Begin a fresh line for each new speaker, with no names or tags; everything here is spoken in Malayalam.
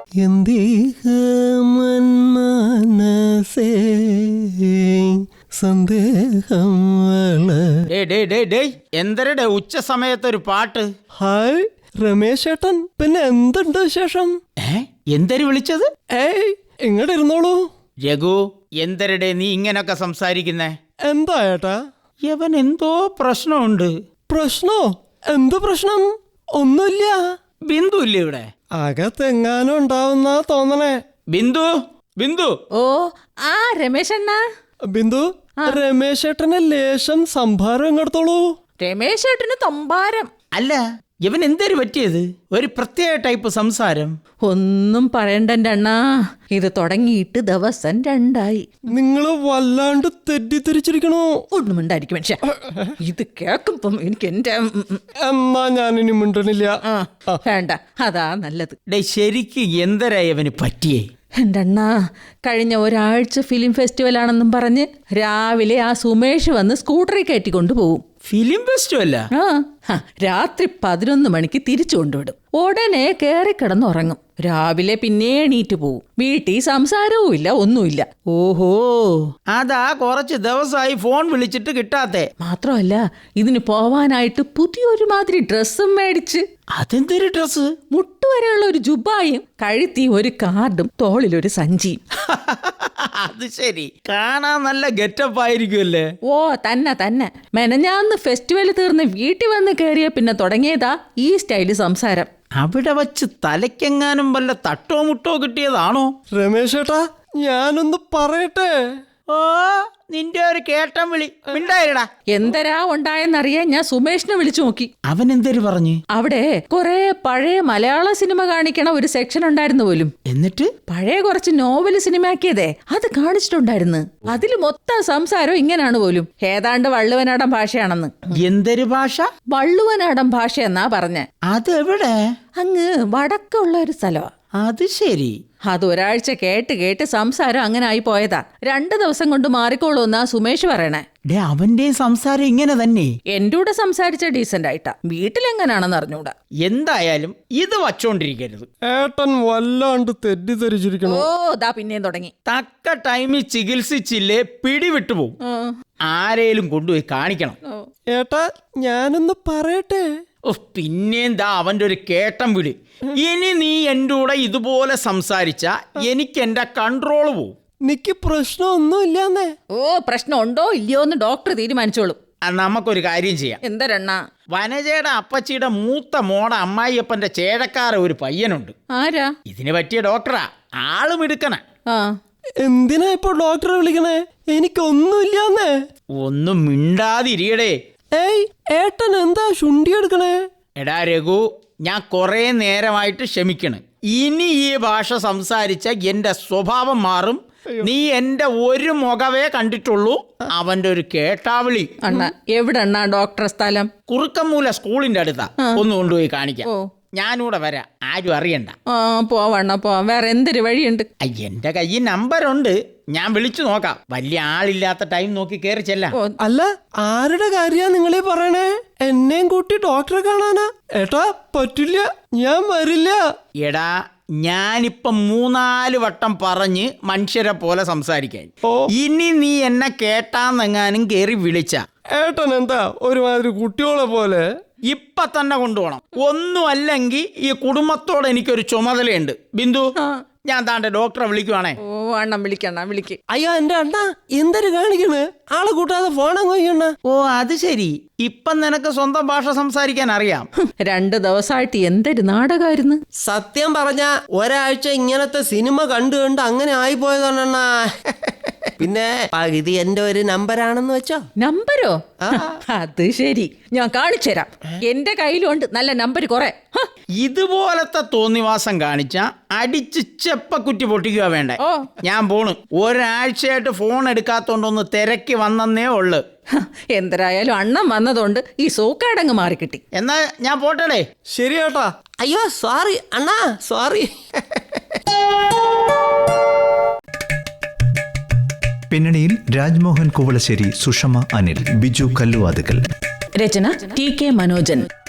സന്ദേഹം
എന്തരടെ ഉച്ച സമയത്തൊരു പാട്ട്?
ഹായ് രമേശ് ചേട്ടൻ, പിന്നെ എന്തുണ്ട് വിശേഷം?
എന്തര് വിളിച്ചത്?
ഇങ്ങോട്ട് ഇരുന്നോളൂ.
രഘു, എന്തരടെ നീ ഇങ്ങനൊക്കെ സംസാരിക്കുന്നേ?
എന്താ ഏട്ടാ?
യവൻ എന്തോ പ്രശ്നമുണ്ട്.
പ്രശ്നോ? എന്ത് പ്രശ്നം? ഒന്നുമില്ല.
ബിന്ദു ഇല്ലേ ഇവിടെ?
അകത്തെങ്ങാനും ഉണ്ടാവുന്ന തോന്നണേ.
ബിന്ദു, ബിന്ദു.
ഓ ആ രമേശ് അണ്ണ.
ബിന്ദു, രമേശ് ചേട്ടന് ലേശം സംഭാരം ഇങ്ങെടുത്തോളൂ.
രമേശ് ചേട്ടന് തമ്പാരം
അല്ല, ഇവൻ എന്തേര് പറ്റിയത്? ഒരു പ്രത്യേക ടൈപ്പ് സംസാരം.
ഒന്നും പറയണ്ട അണ്ണാ, ഇത് തുടങ്ങിയിട്ട് ദിവസം 2
നിങ്ങള് വല്ലാണ്ട് തെറ്റിദ്ധരിച്ചിരിക്കണോ?
ഒന്നും ഉണ്ടായിരിക്കും മനുഷ്യ. ഇത് കേൾക്കുമ്പം എനിക്ക് എന്റെ
എന്നാ ഞാനിനി മിണ്ടണില്ല.
വേണ്ട, അതാ നല്ലത്.
ശരിക്ക് എന്തരാ ഇവന് പറ്റിയേ?
എൻ്റെ അണ്ണാ, കഴിഞ്ഞ ഒരാഴ്ച ഫിലിം ഫെസ്റ്റിവൽ ആണെന്നും പറഞ്ഞ് രാവിലെ ആ സുമേഷ് വന്ന് സ്കൂട്ടറിൽ കയറ്റിക്കൊണ്ടു പോകും.
ഫിലിം ഫെസ്റ്റിവല്ല?
രാത്രി 11 മണിക്ക് തിരിച്ചു കൊണ്ടുവിടും. ഉടനെ കയറി കിടന്നുറങ്ങും. രാവിലെ പിന്നെ എണീറ്റ് പോവും. വീട്ടിൽ സംസാരവും ഇല്ല, ഒന്നുമില്ല.
ഓഹോ, അതാ കുറച്ച് ദിവസമായി ഫോൺ വിളിച്ചിട്ട് കിട്ടാത്തെ.
മാത്രമല്ല, ഇതിന് പോവാനായിട്ട് പുതിയൊരു മാതിരി ഡ്രസ്സും മേടിച്ച്.
അതെന്തൊരു ഡ്രസ്?
മുട്ടുവരെയുള്ള ഒരു ജുബായും, കഴുത്തി ഒരു കാർഡും, തോളിലൊരു സഞ്ചിയും.
അത് ശരി, കാണാൻ നല്ല ഗെറ്റപ്പ് ആയിരിക്കുമല്ലേ?
ഓ തന്നെ. മെനഞ്ഞാന്ന് ഫെസ്റ്റിവൽ തീർന്ന് വീട്ടിൽ വന്ന് കയറിയ പിന്നെ തുടങ്ങിയതാ ഈ സ്റ്റൈല് സംസാരം.
അവിടെ വച്ച് തലയ്ക്കെങ്ങാനും വല്ല തട്ടോ മുട്ടോ കിട്ടിയതാണോ?
രമേശ് ചേട്ടാ, ഞാനൊന്ന് പറയട്ടെ.
ഓ, നിന്റെ ഒരു കേട്ടം വിളി. മിണ്ടായിരടാ.
എന്തരാ ഉണ്ടായെന്നറിയാൻ ഞാൻ സുമേഷിനെ വിളിച്ചു നോക്കി.
അവൻ എന്തേര് പറഞ്ഞു?
അവിടെ കുറെ പഴയ മലയാള സിനിമ കാണിക്കണ ഒരു സെക്ഷൻ ഉണ്ടായിരുന്നു പോലും.
എന്നിട്ട്
പഴയ കുറച്ച് നോവല് സിനിമയാക്കിയതേ അത് കാണിച്ചിട്ടുണ്ടായിരുന്നു. അതിൽ മൊത്തം സംസാരം ഇങ്ങനാണ് പോലും. ഏതാണ്ട് വള്ളുവനാടൻ ഭാഷയാണെന്ന്.
എന്തൊരു ഭാഷ?
വള്ളുവനാടൻ ഭാഷ എന്നാ പറഞ്ഞ.
അതെവിടെ?
അങ്ങ് വടക്കുള്ള ഒരു സ്ഥലമാ.
അത് ശരി.
അതൊരാഴ്ച കേട്ട് സംസാരം അങ്ങനെ ആയി പോയതാ. 2 ദിവസം കൊണ്ട് മാറിക്കോളൂന്നാ സുമേഷ് പറയണേ.
അവന്റെ സംസാരം ഇങ്ങനെ തന്നെ.
എന്റെ കൂടെ സംസാരിച്ച ഡീസന്റ് ആയിട്ടാ. വീട്ടിലെങ്ങനാണെന്ന് അറിഞ്ഞൂടാ.
എന്തായാലും ഇത് വച്ചോണ്ടിരിക്കരുത്.
ഏട്ടൻ വല്ലാണ്ട് തെറ്റിദ്ധരിച്ചിരിക്കണോ?
ഓ, ദാ പിന്നെയും തുടങ്ങി.
തക്ക ടൈമിൽ ചികിത്സിച്ചില്ലേ പിടിവിട്ടു പോകും. ആരേലും കൊണ്ടുപോയി കാണിക്കണം.
ഏട്ടാ, ഞാനൊന്ന് പറയട്ടെ.
പിന്നെന്താ അവന്റെ ഒരു കേട്ടം വിളി. ഇനി നീ എൻ്റെ കൂടെ ഇതുപോലെ സംസാരിച്ച എനിക്ക് എന്റെ കൺട്രോൾ പോവും.
നിക്ക് പ്രശ്നമൊന്നുമില്ലാന്നേ.
ഓ, പ്രശ്നം ഉണ്ടോ ഇല്ലയോ എന്ന് ഡോക്ടർ തീരുമാനിച്ചോളും.
നമുക്കൊരു കാര്യം ചെയ്യാം.
എന്തരണ്ണ?
വനജയുടെ അപ്പച്ചിയുടെ മൂത്ത മോടെ അമ്മായിയപ്പന്റെ ചേടക്കാര ഒരു പയ്യനുണ്ട്.
ആരാ?
ഇതിന് പറ്റിയ ഡോക്ടറാ. ആള് മിടുക്കണ.
എന്തിനാ ഇപ്പൊ ഡോക്ടറെ വിളിക്കണേ? എനിക്കൊന്നുമില്ലാന്നേ.
ഒന്നും മിണ്ടാതിരിയടേ.
ഏട്ടൻ എന്താ ശുണ്ടി എടുക്കണേ?
എടാ രഘു, ഞാൻ കുറെ നേരമായിട്ട് ക്ഷമിക്കണ്. ഇനി ഈ ഭാഷ സംസാരിച്ച എന്റെ സ്വഭാവം മാറും. നീ എന്റെ ഒരു മുഖവേ കണ്ടിട്ടുള്ളൂ. അവന്റെ ഒരു കേട്ടാവിളി.
അണ്ണ, എവിടെ അണ്ണാ ഡോക്ടർ സ്ഥലം?
കുറുക്കമ്മൂല സ്കൂളിന്റെ അടുത്താ. ഒന്ന് കൊണ്ടുപോയി കാണിക്കാം. ഞാനിവിടെ വരാം, ആരും അറിയണ്ട.
പോവണ്ണ പോവാം. വേറെ എന്തൊരു വഴിയുണ്ട്?
എന്റെ കയ്യിൽ നമ്പറുണ്ട്, ഞാൻ വിളിച്ചു നോക്കാം. വലിയ ആളില്ലാത്ത ടൈം നോക്കി കയറി ചെല്ലാം.
അല്ല, ആരുടെ കാര്യാ നിങ്ങളീ പറയണേ? എന്നെയും കൂട്ടി ഡോക്ടറെ കാണാനാ? ഏട്ടാ പറ്റില്ല, ഞാൻ വരില്ല.
എടാ, ഞാനിപ്പം 3-4 വട്ടം പറഞ്ഞ് മനുഷ്യരെ പോലെ സംസാരിക്കാൻ. ഇനി നീ എന്നെ കേട്ടാന്നെങ്ങാനും കേറി വിളിച്ച
ഏട്ടൻ എന്താ ഒരുമാതിരി കുട്ടിയോളെ പോലെ?
ഇപ്പൊ തന്നെ കൊണ്ടുപോകണം. ഒന്നും അല്ലെങ്കിൽ ഈ കുടുംബത്തോടെ എനിക്കൊരു ചുമതലയുണ്ട്. ബിന്ദു, ഞാൻ താണ്ടെ ഡോക്ടറെ വിളിക്കുവാണേ.
ഓ, അണ്ണം വിളിക്കണ്ണ, വിളിക്ക്.
അയ്യോ എന്റെ അണ്ണാ, എന്തൊരു കാണിക്കണ്? ആളെ കൂട്ടാതെ ഫോണങ്ങ് കൊയ്യണ്ണ.
ഓ, അത് ശരി. ഇപ്പം നിനക്ക് സ്വന്തം ഭാഷ സംസാരിക്കാൻ അറിയാം.
2 ദിവസമായിട്ട് എന്തൊരു നാടകമായിരുന്നു.
സത്യം പറഞ്ഞ ഒരാഴ്ച ഇങ്ങനത്തെ സിനിമ കണ്ടു അങ്ങനെ ആയിപ്പോയതാണണ്ണാ. പിന്നെ പകുതി എന്റെ ഒരു നമ്പരാണെന്ന് വെച്ചോ.
നമ്പരോ? അത് ശരി, ഞാൻ കാണിച്ചു തരാം. എന്റെ കയ്യിലുണ്ട് നല്ല നമ്പർ കുറെ.
ഇതുപോലത്തെ തോന്നിവാസം കാണിച്ച അടിച്ച് ചെപ്പക്കുറ്റി പൊട്ടിക്കുക വേണ്ടേ. ഞാൻ പോണു. ഒരാഴ്ചയായിട്ട് ഫോൺ എടുക്കാത്തോണ്ടൊന്ന് തിരക്കി വന്നേ ഉള്ളു.
എന്തരായാലും അണ്ണം വന്നതുകൊണ്ട് ഈ സൂക്കാടങ്ങ് മാറിക്കിട്ടി.
എന്നാ ഞാൻ പോട്ടടേ.
ശരി ഏട്ടാ. അയ്യോ സോറി അണ്ണാ, സോറി.
പിന്നണിയിൽ രാജ്മോഹൻ കുവളശ്ശേരി, സുഷമ അനിൽ, ബിജു കല്ലുവാതുക്കൽ.
രചന ടി കെ മനോജൻ.